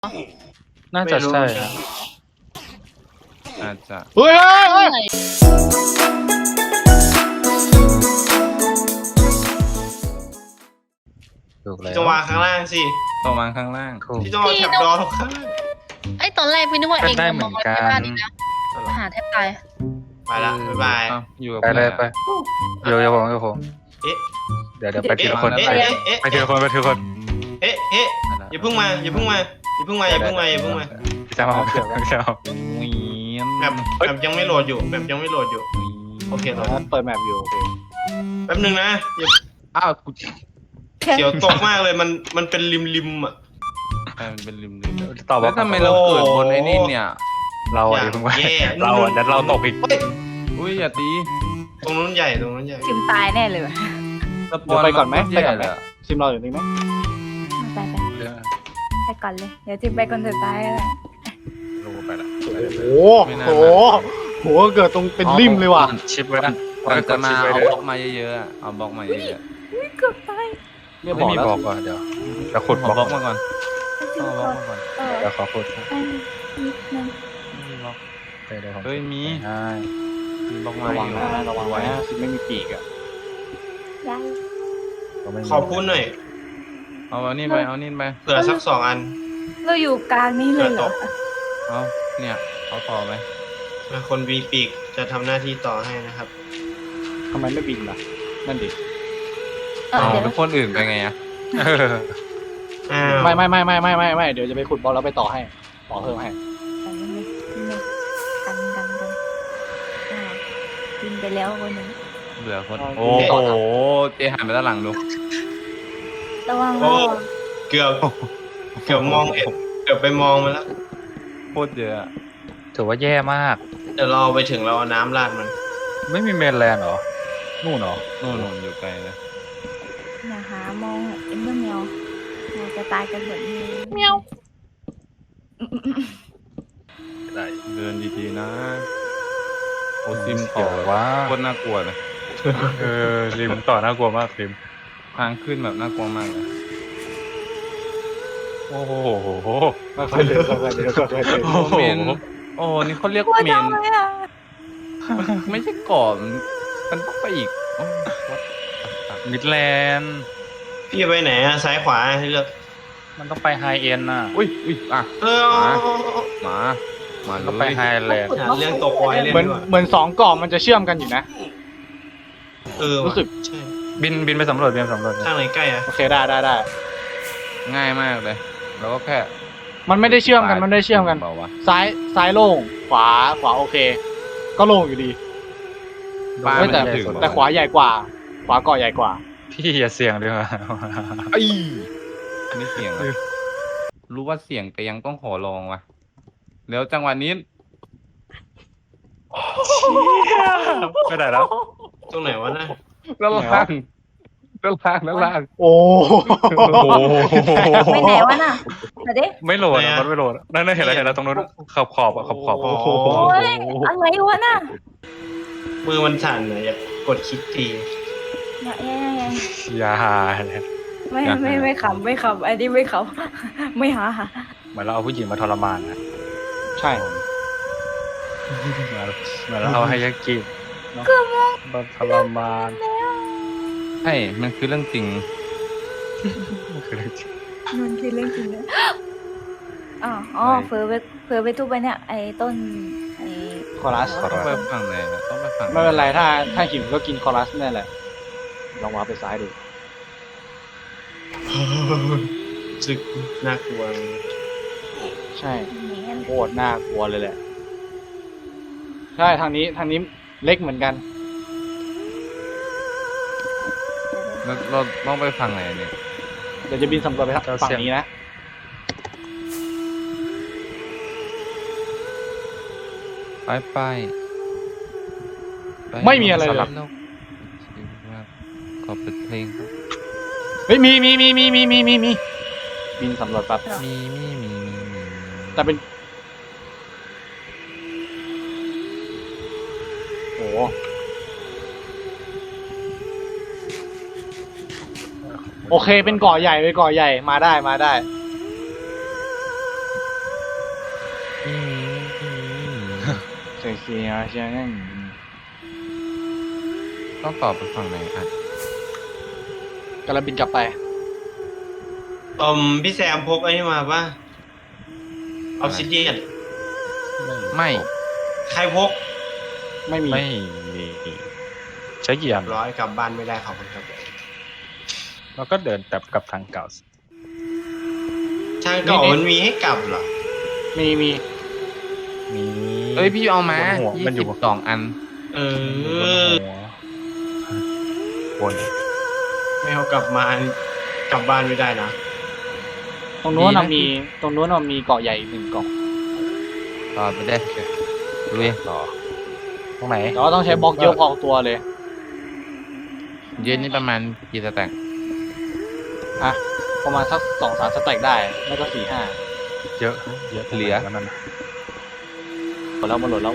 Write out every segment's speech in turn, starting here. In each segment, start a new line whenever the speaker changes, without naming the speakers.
น่าจะใช่ฮะ
อาจจะ
เฮ้ย
ถูกแล้ว
พี่ต้องวางข้างล่างสิ
ต้องวางข้างล่าง
ถูก
พี่ต้องเอาแถบดอลงข้างล่าง
ไอ้ตอนแรกพี่นึกว่าเอง
ได้เหมือนกัน
บ้านอีกนะหาแทบตาย
ไปละบ๊ายบาย
เอ้าอยู่กับ
ไปเลยไป
เพื่อน
เดี๋ยวผม
เอ๊ะ
เดี๋ยวไปทีละคน
เอ๊ะ
ไป
เอ๊ะเอ๊ะ
ไปทีละคนไปทีละคน
เอ๊ะเอ๊ะอย่าเพิ่งมาอย่าเพิ่งมาอย่าเพิ่งมาอย่าเพิ่งมาอย่าเพิ่งมา
พี่จะมาเอาพี่จะเอา
หวีน
แบบยังไม่โหลดอยู่แบบยังไม่โหลดอยู่โอเคโหลด
เปิดแมปอยู่โอเค
แป๊บนึงนะอย่า
อ้าวกู
เสียวตกมากเลยมันเป็นริมอ่ะ
มันเป็นริม
ตอบ
แล้
ว่าว
ทำไมเราเกิดบนไอ้นี่เนี่ย
เราอย่าเพิ่งว่า
แย่
เราเดี๋ยวเราตกอีก
เฮ้ย
อุ้ยอย่าตี
ตรงนู้นใหญ่ตรงนู้นใหญ่
จิมตายแน่เลยว่ะ
สปอนไปก่อนไหม
ซิมรออยู่นี่ไหม
ไปไปก่อนเลย เดี๋ยวจิมไปคนสุดท้ายแล้ว
ลงไปละ
โอ้โหโหเกิดตรงเป็นริมเลยว่ะ
ชิปไว้นะ
ก่อนจะมา
ชิปไว้
เอา
เลย
บล็อกมาเยอะๆอะเอาบล็อกมาเยอะ
เกือบตาย
ไม่มีบอกก่อนเดี๋ยวจะขุด
ๆ
บ
เอาบ
ล็
ล็
อ
อก กมาก่อน
จิม
เอาบ
ก
ล็อก
ด
มาก่อน
เดี๋ยวขอขุด
ไปนิดนึง
ไม่มีบล็อก
เดี๋ยวผม
เฮ้ยมี
ใช่
มีบล็อกมา
ระ
อ
วัง
ยู่
นะระวังไว้นะซิมไม่มีปีกอ่ะ
ได้
ขอพูดหน่อย
เอานี่ไปเอานี่ไป
เผื่อสัก2 อัน
เราอยู่กลางนี้เลยเหรอ
เอาเนี่ยเอาต่อไป
คนวีปีกจะทำหน้าที่ต่อให้นะครับ
ทำไมไม่บินล่ะนั่นดิ
เอา
เดี๋ยว
เป็นคนอื่นไปไงอะ
เออ
อ้าว
ไม่เดี๋ยวจะไปขุดบอลแล้วไปต่อให้ต่อเพิ่มให้
กันบินไปแล้วคนนึง
เหลือคนโอ้โหเจหันไปด้านหลังดู
ระวัง
โอ้เกือบมองเกือบไปมองมาแล้ว
โคตรเยอะอะ
ถือว่าแย่มาก
เดี๋ยวเราไปถึงเราเอาน้ำราดมัน
ไม่มีเมนแลนด์เหรอนู่นเหรอ
โน่นอยู่ไกลนะ
อย่าหามองเอ็มเบอร์เมียวเราจะตายกันหมดนี่
ได้
เดินดีๆนะโอซิม
เกี่
ต่
ย
อ
วว่า
โคตรน่ากลัวเลย
ริมต่อน่ากลัวมากริม
ทางขึ้นแบบน่ากลัวมากเลย
โอ้โห
ค่อยๆเดินค่อยๆเดินค่อยๆเดิน
โอ้เมนโอ้นี่เขาเรียก
กลัว
เม
จั
น
งเลยอ่ะ
ไม่ใช่เกาะมันต้องไปอีกโอ้ what
มิดแลนด์
พี่ไปไหนอะซ้ายขวาให้เลือก
มันต้องไปไฮเอ็นน่ะ
อุ้ยอ่ะ
เออ
มาเล
ต้องไป
ย
ไฮแลนด์
หาเรื่องตกปล่อยเล่น
เหมือน
ดีกว่า
เหมือน2กล่องมันจะเชื่อมกันอยู่นะ
ว่ะ
รู้สึก
ใช่
บินไปสำรวจบินสำรวจ
ทางไหนใกล้อะ
โอเคได้
ง่ายมากเลยแล้วก็แค่
มันไม่ได้เชื่อมกันมันไม่ได้เชื่อมกัน
เปล่าวะ
ซ้ายโล่งขวาโอเค ก็โล่งอยู่ดี
ปลา
เฮ้ย
มัน
แต่
จะถึง
แต่ขวาใหญ่กว่า ขวาเกาะใหญ่กว่า
พี่อย่าเสี่ยงดีกว่า
ไอ้อันนี้เสียงอะรู้ว่าเสียงแต่ยังต้องขอลองว่ะแล้วจังหวะนี้
ไม่ได้แล้ว
ตรงไหนวะนะ
ด้านล่าง
โอ้
ไปไหนวะน่ะเดี๋ยวดิ
ไม่โหลดอะมันไม่โหลดอะนั่นเห็นแล้วตรงนู้นขอบอะขอบ
โอ้โห
โอ้ยอะไรวะน่ะ
มือมันสั่นเลยอยากกดคลิกที
อย่า
อย่า
ไม่ขำอันนี้ไม่ขำไม่หา
เหมือนเราเอาผู้หญิงมาทรมานนะ
ใช่
เหมือนเราเอาให้ยากิมาทรมาน
ใช่มันคือเรื่องจริง
คือเรื่องจริง
มันคือเรื่องจริงนะอ๋อเผลอไปทุบไปเนี่ยไอ้ต้นไอ้
คอรัส
ต้องไปฝั่งไหนอะต้องไปฝั่ง
ไม่เป็นไรถ้าหิวก็กินคอรัสนั่นแหละลองวาร์ปไปซ้ายดู
รู้สึกน่ากลัวเลย
ใช่
แหน
โคตรน่ากลัวเลยแหละใช่ทางนี้เล็กเหมือนกัน
เราต้องไปฝั่งไหนเนี่ย
เดี๋ยวจะบินสำรวจไปฝั่งนี้นะ
ไป
ไม่มีอะไรเลย
สำหบนกขอเปิดเพลงครับ
เฮ้ยมีบินสำรวจแป๊บ
มี
แต่เป็นโอ้โอเคเป็นเกาะใหญ่มาได้เสียใช่ไหม
ต้องตอบไปฝั่งไหนอ่ะ
กำลังบินกลับไป
พี่แซมพกไอ้นี่มาป่ะออฟซิเดียน
ไม่
ใครพก
ไม่มี
ไม่มีใช้กี่อย่าง
ร้อยกลับบ้านไม่ได้ขอบคุณครับ
แล้วก็เดินกลับกับทางเก่า
ทางเก่ามันมีให้กลับเหรอ
มี
มี
เอ้ยพี่เอามา
บนหัวมันอยู่
22 อัน
เอบ
น
อ
หัวบน
ไม่เอากลับมา กลับบ้านไม่ได้นะ
ตรงนู้น
ดีนะ
มีตรงนู้นมีเกาะใหญ่อีก1เกาะ
ต่อไปได้ลุย
ต่อตรงไหน
แต่ว่าต้องใช้บล็อกเยอะพอตัวเลย
เย็นนี่ประมาณกี่สแต็ก
ประมาณสัก2-3 สแต็กได้ไม่ก็4-5
เยอะแล้วนั่น
หมดแล้ว
คนเลย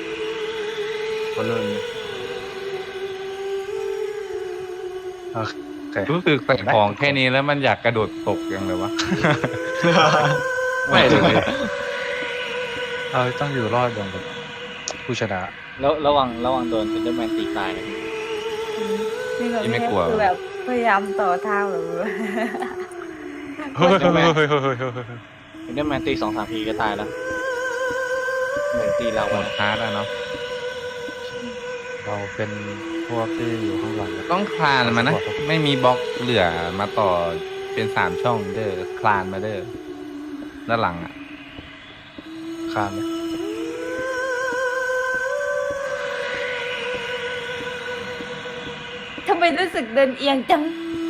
โอเค
รู้สึกใส่ของแค่นี้แล้วมันอยากกระโดดตกยังเลยวะ
ไม่เลยต้องอยู่รอดอย่างแบบผู้ชนะ
แล้วระวังโดนเซนเดอร์แมนตีตายนะ
นี่เรา
ไม่กลัว
คือแบบพยายามต่อทางหรือ
เฮ้ย
เซนเดอร์แมนตี2-3 ทีก็ตายแล้วเหมือนตีเรา
หม
อะ
ดฮาร์ดอะเนาะ
เราเป็นพวกที่อยู่ข้างหลัง
ต้องคลานมานะ ไม่มีบล็อกเหลือมาต่อเป็น3 ช่องเด้อคลานมาเด้อด้านหลังอ่ะ
คานไหม
ทำไมรู้สึกเดินเอียงจัง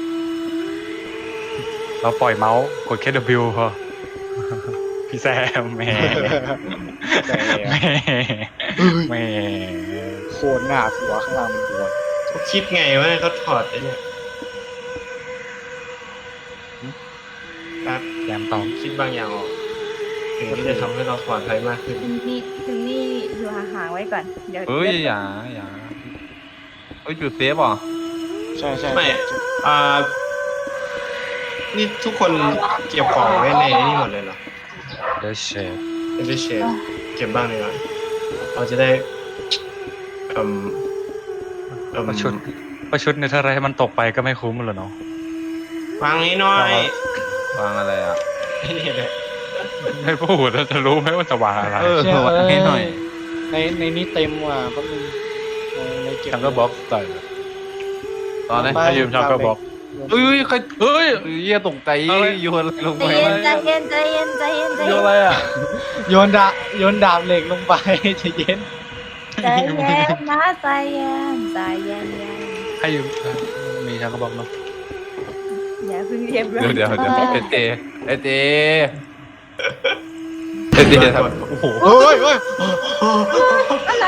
เราปล่อยเมาส์กดแค่ W พอพี่แซมแหม่แหม่
โคตรหน้ากลัวข้างล่างมันกลัว
เขาคิดไงว่าเขาถอดไอ้เนี่ยครับ
แซมตอบ
คิดบางอย่างออกถึงที่จะทำให้เราปลอดภัยมากขึ้น
ถึงนี่อยู่ห่างๆไว้ก่อน เดี๋ยว
เฮ้ยอย่าเฮ้ยจุดเซฟเหรอ
ใช่
ไม่นี่ทุกคนเก็บของไว้ในนี่หมดเลยเหรอ
เดชเชฟ
ไม่ได้เชฟเก็บบ้างเลยเหรอเราจะได้
ประชุดในถ้าไรให้มันตกไปก็ไม่คุ้มเลยเนาะ
วางนี้หน่อยว
างอะไรอ่ะ
นี่แหละ
ไม่พูดแล้วจะรู้ไหมว่าจะวางอะไร
วางให้หน่อย
ในนี้เต็มว่ะแป๊บนึงในเก็บ
ชังก็บล็อกใส่
ตอนนี้
ให้ยืมชังก็บล็อก
เฮ้ยใครเฮ้ยเยี่ยตกใจโยนอะไรลง
ใจ
ไป
เย็นใจเย็นใจเย็นใจเย็นใจ
โย
เย็
น
น
อะไรอ่ะโยนดาบเหล็กลงไปใจเย็น
ใจเย็นนะใจเย็นใจเย็น
ให้ยืมมีชังก็บล็อกเนาะ
อย่าเพิ่งเรียบร้อย
เดี๋ยวเอเจทำโอ้โห
เฮ้ย
อะไร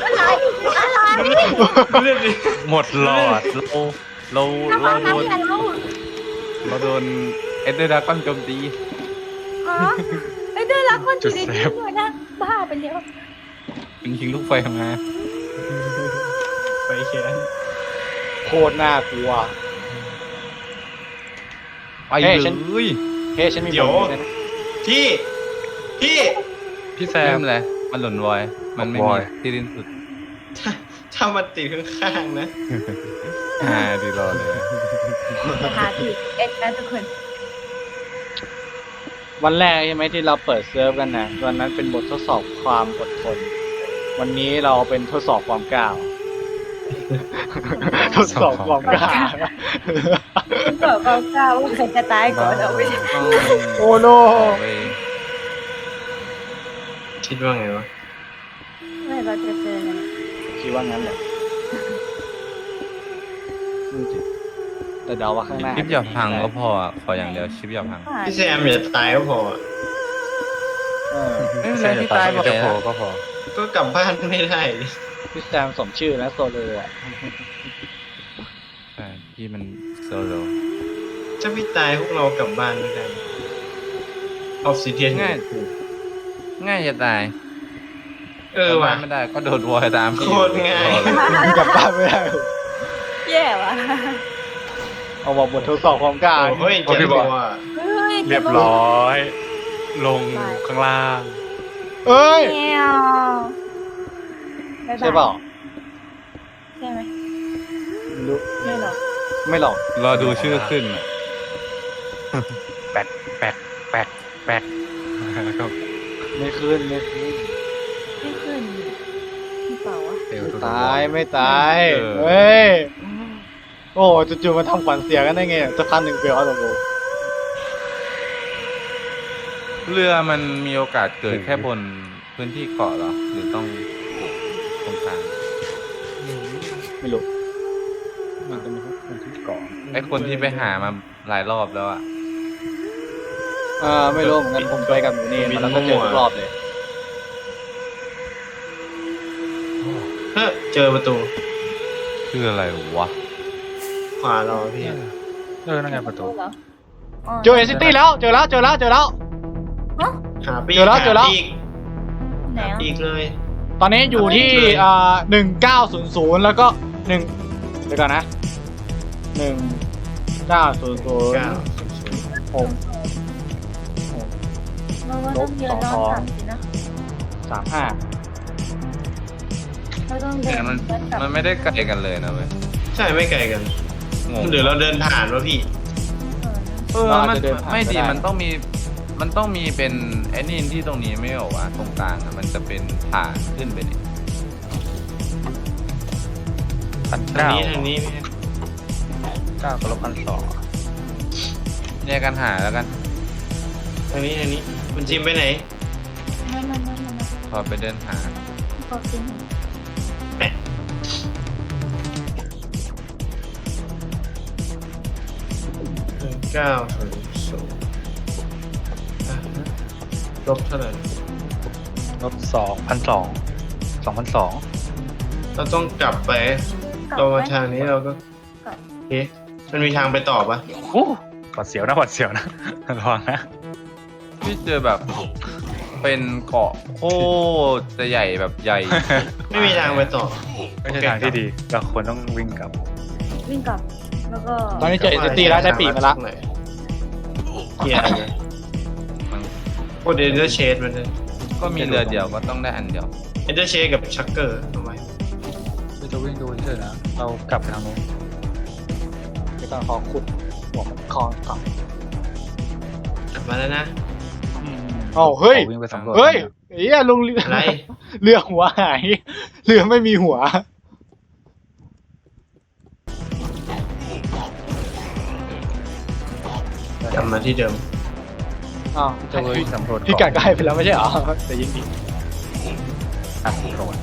เรื่องนี้
หมดหลอด
เรา
ทำไม
โดน
อะไรลูก
เราโดนเอเดอร์ดากอนโจมตี
อ๋อไอ้เดือรักคนอยู่ในนี้ด้วยนะบ้าไปแล้ว
เป็นยิงลูกไฟมา
ไปแค้น
โคตรน่ากลัว
ไปเลย
เฮ้ฉันมีบทนะ
พี่
พี่แซ
แซ
ม
มเลยมันหล่นวอยมันไม่
ว
มี
อย
ที่สิ้นสุด
ถ้ามันติดข้างๆนะ
ดีรอเลย
หาผิดเอ็ดนะทุกคน
วันแรกใช่ไหมที่เราเปิดเซิร์ฟกันนะวันนั้นเป็นบททดสอบความอดทน วันนี้เราเป็นทดสอบความกล้าทดสอบความกล้า
คุณบอกเขากล้าว่าใครจะตายก่อนเอาไป
โอ้โน
คิดว่าไงวะ
ไม่เราจะเจอกัน
คิดว่างั้นเลยแต่เดาว่าข้างหน้า
ชิปอย่าพังก็พอขออย่างเดียวชิปอย่าพัง
พี่แซมอย่าตายก็พอ
ไม่เป็นไรที่ตายบ่อย
จะพอ
นะ
ก็พอ
ก็กลับบ้านไม่ได้
พี่แซมสมชื่อนะโซโลอ่ะ
ใช่ที่มันโซโล
ถ้าพี่ตายพวกเรากลับบ้านไม่ได้ออฟซิเดียน
ง่ายจะตาย
ว่ะ
ไม่ได้ก็โดดวอยตาม
โคตรง่าย
กลับบ้านไม่ได้
แย่ว่ะ
เอาบอกบททดสอบความกล้า
เฮ้ยเจ็บตัว
เฮ้ย
เรียบร้อย ลงข้างล่าง
เ
เอ้ย
แมวบ๊ยบย
ใช่เปล่า
ใช่ไหม
ไม่รู้
ไม่หรอก
ไม่หรอก
รอดูชื่อขึ้นอะ
แปดแปดแปดแปดแล้วก็
ไม่ขึ้นไม่ขึ้น
ไม่ขึ้นพี่เปล่าวะ
เอว
ไม่
ตัว
ตายไม่ตายเฮ้ยโอ้จู่ๆมาทำขวัญเสียกันได้ไงสักพักหนึ่งเปลวตัวโบ
เรือมันมีโอกาสเกิดแค่บนพื้นที่เกาะเหรอ หรือต้องตรงกลาง
ไม่รู้มันจะมีคนที่เกาะ
ไอคนที่ไปหามาหลายรอบแล้วอะ
ไม่รู้เหมือนกันผมไปกับหนูนี่มาแล้วก็เจอทุกรอบเลย
เฮ้ยเจอประตู
คืออะไรวะ
ขวาเราพี่
นั่นไงประตู
เหรออ๋อ
เจอเอซิตี้แล้วเจอแล้ว
หาปีก
เจอแล้วเจอแล้ว
หาปีก
ไหน
หา
อ่ะ
ปีกเลย
ตอนนี้อยู่ที่1900แล้วก็1เดี๋ยวก่อนนะ1900
เก้า
6
เราว่าต้องเดินย้อนกลับสินะ
35
เราต้องเดิ
แต่
น
มัน
ย้อนกลับ
มันไม่ได้ไกลกันเลยนะเว้ย
ใช่ไม่ไกลกัน
งง
หรือเราเดินผ่านวะพี่
มันไม่ดีมันต้องมีเป็นไอ้นี่ที่ตรงนี้ไม่เหรอวะตรงกลางอะมันจะเป็นผ่านขึ้นไปนี่
พัน
ทาง
เก้า
นี้ทางนี้พี่
เก้ากับลบ1,200
แยกกันหาแล้วกัน
ทางนี้คุณจิมไปไหน
ไม่
พอไปเดินหา
ขอกินหน่อย
900ลบเท่าไหร่
ลบ2,200
เราต้องกลับไป
กลับ
เรามา
ไหม
ทางนี้เราก็
กลับ
เอ๊ะมันมีทางไปต่อปะ
2,200โอ้หวัดเสียวนะระวังนะ
พี่เจอแบบเป็นเกาะโคตรจะใหญ่แบบใหญ่
ไม่มีทางไปต่อ
ไม่ใช่ทางที่ดี เราควรต้องวิ่งกลับ
วิ่งกลับ แล้วก็
ตอนนี้เจอเอซิตี้แล้วได้ปีกมาละ
เกียร์เลย
มัน
โคตรเอนเดอร์เชดมันเลย
ก็มีเรือเดียวก็ต้องได้อันเดียว
เอนเดอร์เชดกับชักเกอร์ทำไม
เราจะวิ่งดูเฉยๆนะ เรากลับไปทางโน้น
เดี๋ยวก่อนขอขุดหัวมันคอนก่อน
กลับมาแล้วนะ
เอ้าเฮ้ย
วิ่งไปสำรวจ
เฮ้ยเฮียลงเรือ
อะไร
เรือหัวหายเรือไม่มีหัว
กลับมาที่เดิม
อ้าว
จะวิ่งสำรวจ
พี่กัดก็ให้ไปแล้วไม่ใช่เหรอแต่ยิงดี
สำรวจ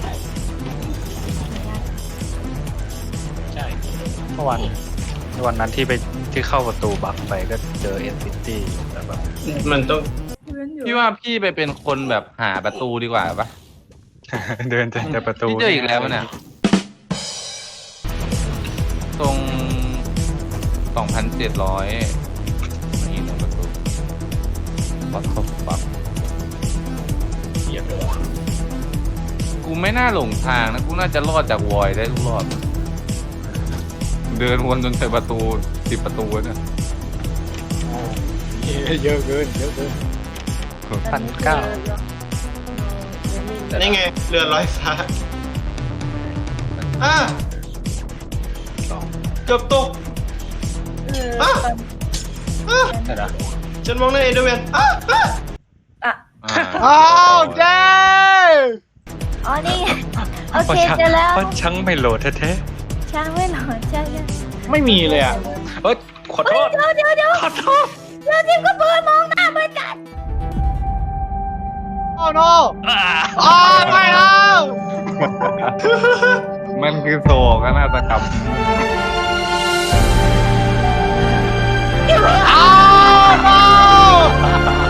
ใช่เมื่อวันนั้นที่เข้าประตูบักไปก็เจอเอ็นซิตี้แต่แบบ
มันต้อง
พี่ว่าพี่ไปเป็นคนแบบหาประตูดีกว่าปะ
เดินแต่ประตู
พี่เจออีกแล้วมันเนี่ยตรง2,700นี่ตรงประตูวัดครบปั๊บกูไม่น่าหลงทางนะ กูน่าจะรอดจากวอยได้ทุกรอบ เดินวนจนเจอประตู10 ประตูเนี่ย
เยอะเกินเยอะเกิน
1,900
นี่ไงเรือลอยฟ้าอ่ะเกือบตก อ่ะ
ใช่นะ
ฉันมองในเอเดอร์แมนอ่ะอ่ะ
อ่ะ
อ้าวเจ้
อ๋อ นี่ไงโอเคเจอแล้ว
เพราะช่างไม่โหลดแท้
ช้างไม่หลอนใช่ไหม
ไม่มีเลยอ่ะ
ๆเอ้ยขอโทษ
เดี๋ยว
ขอโทษ
เดี๋ยวทิมก็เปิดมองหน้าเหมือนกัน
โอ้โนอ้าวไม่เอา
มันคือโศกนาฏกรรม
อ้าว no